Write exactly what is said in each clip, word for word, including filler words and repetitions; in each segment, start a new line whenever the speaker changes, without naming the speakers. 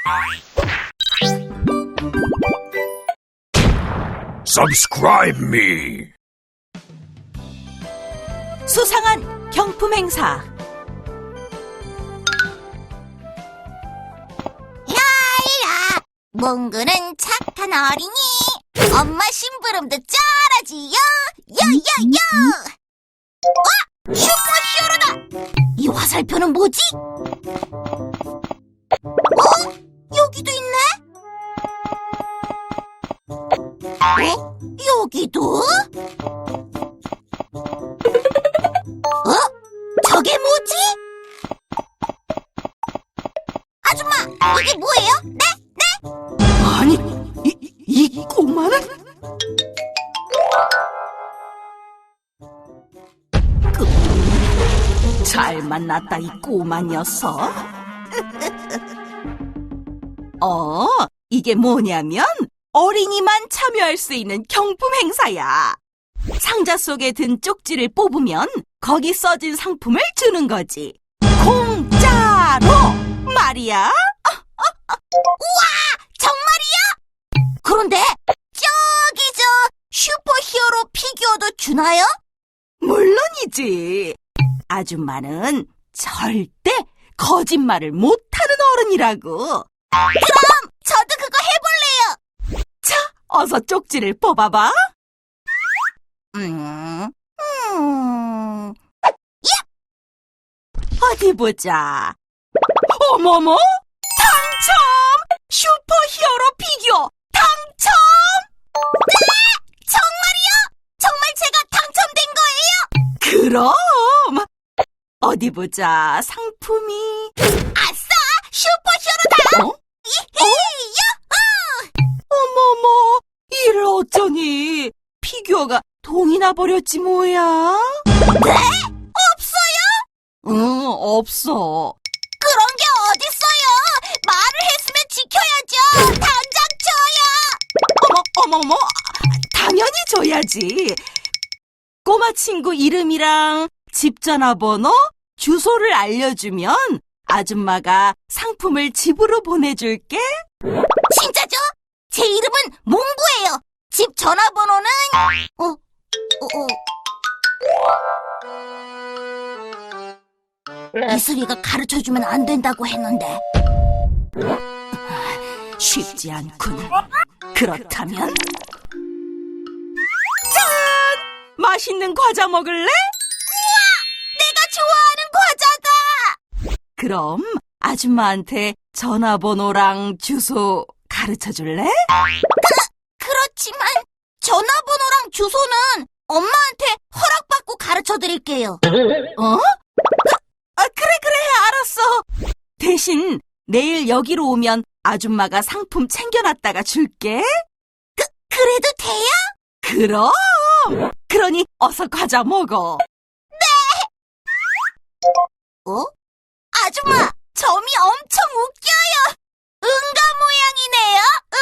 Subscribe me.
수상한 경품 행사.
야이야, 몽구는 착한 어린이. 엄마 심부름도 쩔어지요. 요요요. 와, 슈퍼히어로다. 이 화살표는 뭐지? 어? 여기도 있네? 어? 여기도? 어? 저게 뭐지? 아줌마, 이게 뭐예요? 네? 네?
아니, 이, 이 꼬마는? 그, 잘 만났다, 이 꼬마 녀석. 어, 이게 뭐냐면 어린이만 참여할 수 있는 경품 행사야. 상자 속에 든 쪽지를 뽑으면 거기 써진 상품을 주는 거지. 공짜로 말이야.
정말이야? 그런데 저기 저 슈퍼히어로 피규어도 주나요?
물론이지. 아줌마는 절대 거짓말을 못하는 어른이라고.
그럼 저도 그거 해볼래요.
자, 어서 쪽지를 뽑아봐.
음, 음,
어디 보자. 어머머! 당첨! 슈퍼히어로 피규어 당첨!
정말이요? 정말 제가 당첨된 거예요?
그럼! 어디 보자. 상품이.
아싸! 슈퍼히어로다!
어?
이히!
어머머! 이를 어쩌니? 피규어가 동이 나버렸지 뭐야?
네? 없어요?
응, 없어.
그런 게 어딨어요? 말을 했으면 지켜야죠. 당장 줘요.
어머, 어머머! 당연히 줘야지. 꼬마 친구 이름이랑 집 전화번호, 주소를 알려주면 아줌마가 상품을 집으로 보내줄게.
진짜죠? 제 이름은 몽구예요. 집 전화번호는 어, 어, 어. 이슬이가 가르쳐주면 안 된다고 했는데.
쉽지 않군. 그렇다면 짠! 맛있는 과자 먹을래?
내가 좋아하는 과자다.
그럼 아줌마한테 전화번호랑 주소 가르쳐줄래?
그렇지만 전화번호랑 주소는 엄마한테 허락받고 가르쳐드릴게요.
어? 아, 그래, 그래, 알았어. 대신 내일 여기로 오면 아줌마가 상품 챙겨놨다가 줄게.
그, 그래도 돼요?
그럼! 그러니 어서 과자 먹어.
어? 아줌마, 점이 엄청 웃겨요. 응가 모양이네요.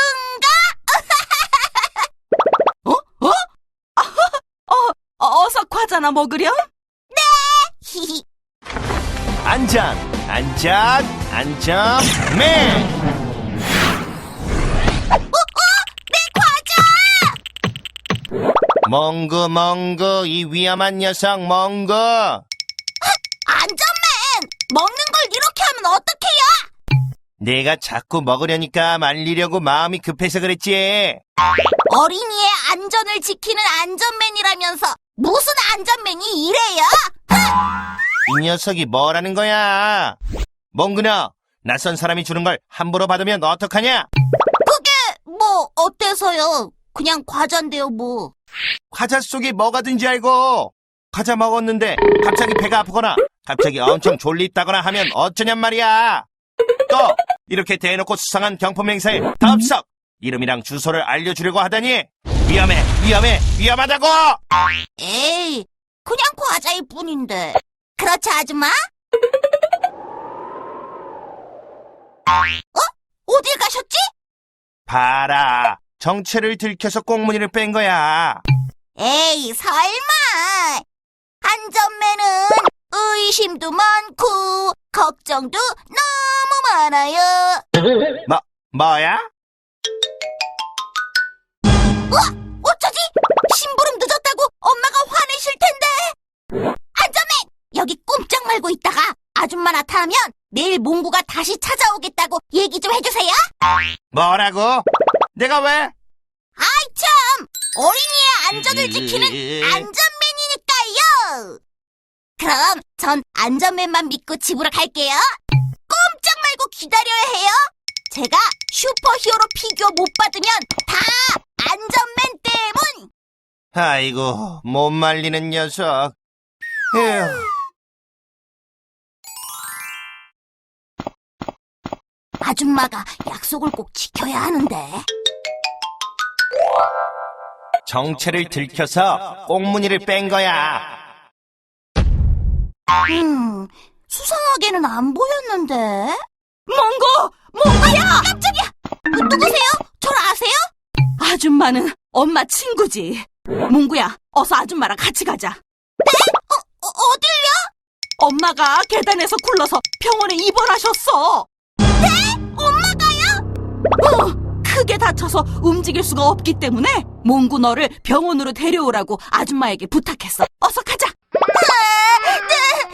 응가?
어? 어? 어, 어서 과자나 먹으렴?
히히.
안전, 안전, 안전맨.
내 과자!
멍구, 멍구, 이 위험한 녀석 멍구.
안전맨! 먹는 걸 이렇게 하면 어떡해요?
내가 자꾸 먹으려니까 말리려고 마음이 급해서 그랬지.
어린이의 안전을 지키는 안전맨이라면서 무슨 안전맨이 이래요?
이 녀석이 뭐라는 거야? 멍구나, 낯선 사람이 주는 걸 함부로 받으면 어떡하냐?
그게 뭐 어때서요? 그냥 과자인데요 뭐.
과자 속에 뭐가 든지 알고. 과자 먹었는데 갑자기 배가 아프거나 갑자기 엄청 졸립다거나 하면 어쩌냔 말이야. 또 이렇게 대놓고 수상한 경품 행사에 덥석 이름이랑 주소를 알려주려고 하다니 위험해, 위험해, 위험하다고.
에이, 그냥 과자일 뿐인데. 그렇죠, 아줌마? 어? 어딜 가셨지?
봐라, 정체를 들켜서 꽁무니를 뺀 거야.
에이, 설마. 안전맨은 의심도 많고 걱정도 너무 많아요.
뭐, 뭐야?
어쩌지? 심부름 늦었다고 엄마가 화내실 텐데. 안전맨! 여기 꼼짝 말고 있다가 아줌마 나타나면 내일 몽구가 다시 찾아오겠다고 얘기 좀 해주세요.
뭐라고? 내가 왜?
아이 참! 어린이의 안전을 지키는 안전맨이니까요. 그럼 전 안전맨만 믿고 집으로 갈게요. 꼼짝 말고 기다려야 해요. 제가 슈퍼히어로 피규어 못 받으면 다 안전맨 때문.
아이고, 못 말리는 녀석. 에휴.
아줌마가 약속을 꼭 지켜야 하는데.
정체를 들켜서 꽁무니를 뺀 거야.
음, 수상하게는 안 보였는데.
몽구! 몽구야!
깜짝이야! 누구세요? 절 아세요?
아줌마는 엄마 친구지. 몽구야, 어서 아줌마랑 같이 가자.
어, 어딜요?
엄마가 계단에서 굴러서 병원에 입원하셨어.
엄마가요?
어, 크게 다쳐서 움직일 수가 없기 때문에 몽구 너를 병원으로 데려오라고 아줌마에게 부탁했어. 어서 가자.
아, 네,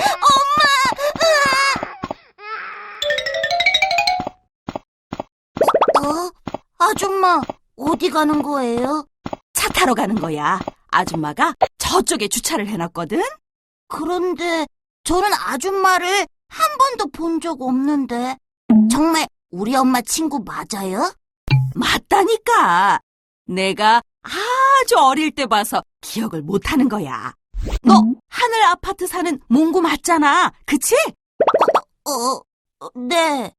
엄마. 어? 아줌마, 어디 가는 거예요?
차 타러 가는 거야. 아줌마가 저쪽에 주차를 해놨거든.
그런데 저는 아줌마를 한 번도 본 적 없는데. 정말 우리 엄마 친구 맞아요?
맞다니까. 내가 아주 어릴 때 봐서 기억을 못하는 거야. 너 하늘 아파트 사는 몽구 맞잖아. 그치?
어, 어, 네.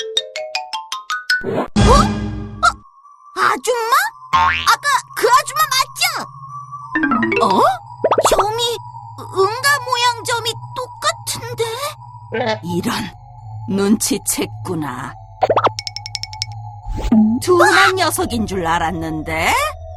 어? 어? 아줌마? 아까 그 아줌마 맞죠?
어?
점이, 은가 모양 점이 똑같은데?
이런, 눈치챘구나. 둔한 녀석인 줄 알았는데?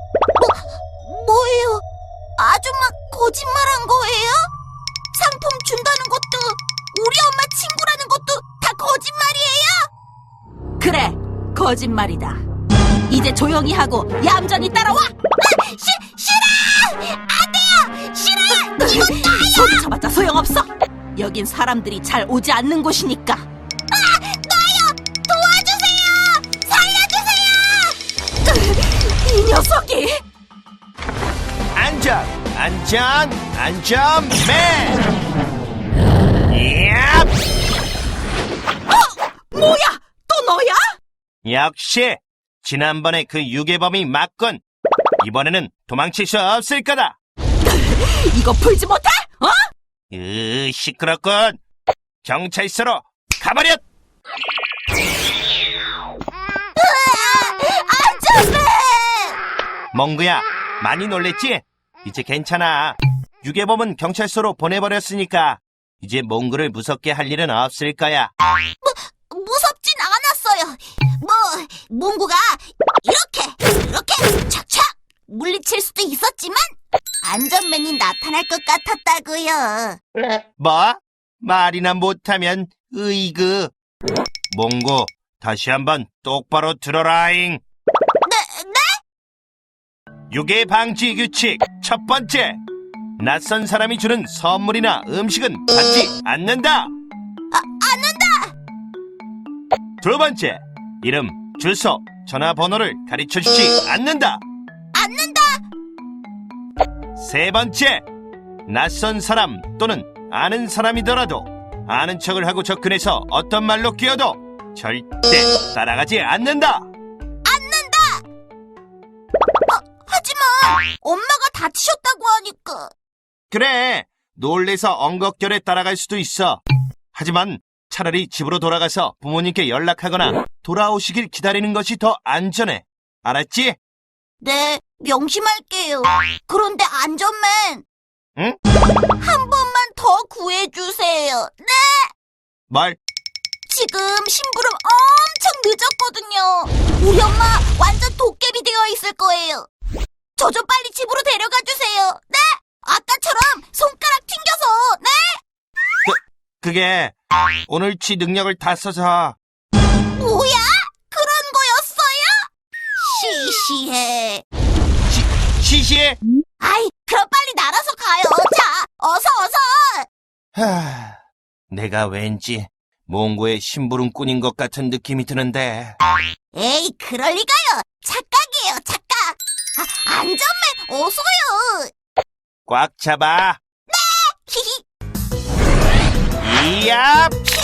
뭐예요? 아줌마 거짓말한 거예요? 상품 준다는 것도, 우리 엄마 친구라는 것도 다 거짓말이에요?
그래, 거짓말이다. 이제 조용히 하고 얌전히 따라와!
아, 시, 싫어! 안 돼요! 싫어요!
소리쳐봤자 소용없어. 여긴 사람들이 잘 오지 않는 곳이니까.
나요! 도와주세요! 살려주세요!
이 녀석이!
안전, 안전, 안전맨! 얍!
뭐야? 또 너야?
역시 지난번에 그 유괴범이 맞군. 이번에는 도망칠 수 없을 거다.
이거 풀지 못해? 어?
으, 시끄럽군. 경찰서로 가버렸.
안전맨!
몽구야, 많이 놀랬지? 이제 괜찮아. 유괴범은 경찰서로 보내버렸으니까 이제 몽구를 무섭게 할 일은 없을 거야.
무섭진 않았어요. 뭐, 몽구가 이렇게, 이렇게 착착 물리칠 수도 있었지만 안전맨이 나타날 것 같았다고요.
뭐? 말이나 못하면 으이그. 몽구, 다시 한번 똑바로 들어라잉.
네, 네?
유괴 방지 규칙 첫 번째. 낯선 사람이 주는 선물이나 음식은 받지 않는다.
아, 않는다!
두 번째. 이름, 주소, 전화번호를 가르쳐주지 않는다.
않는다!
세 번째. 낯선 사람 또는 아는 사람이더라도 아는 척을 하고 접근해서 어떤 말로 끼어도 절대 따라가지 않는다.
않는다! 아, 하지만 엄마가 다치셨다고 하니까.
그래, 놀래서 엉겁결에 따라갈 수도 있어. 하지만 차라리 집으로 돌아가서 부모님께 연락하거나 돌아오시길 기다리는 것이 더 안전해. 알았지?
네, 명심할게요. 그런데 안전맨,
응?
한 번만 더 구해주세요. 네!
뭘?
지금 심부름 엄청 늦었거든요. 우리 엄마 완전 도깨비 되어 있을 거예요. 저 좀 빨리 집으로 데려가 주세요. 네! 아까처럼 손가락 튕겨서, 네!
그게 오늘치 능력을 다 써서.
아, 뭐야? 그런 거였어요? 시시해.
시, 시시해?
아이, 그럼 빨리 날아서 가요. 자, 어서 어서.
하, 내가 왠지 몽고의 심부름꾼인 것 같은 느낌이 드는데.
에이, 그럴 리가요. 착각이에요, 착각. 아, 안전맨, 어서요.
꽉 잡아.
히히.
이야!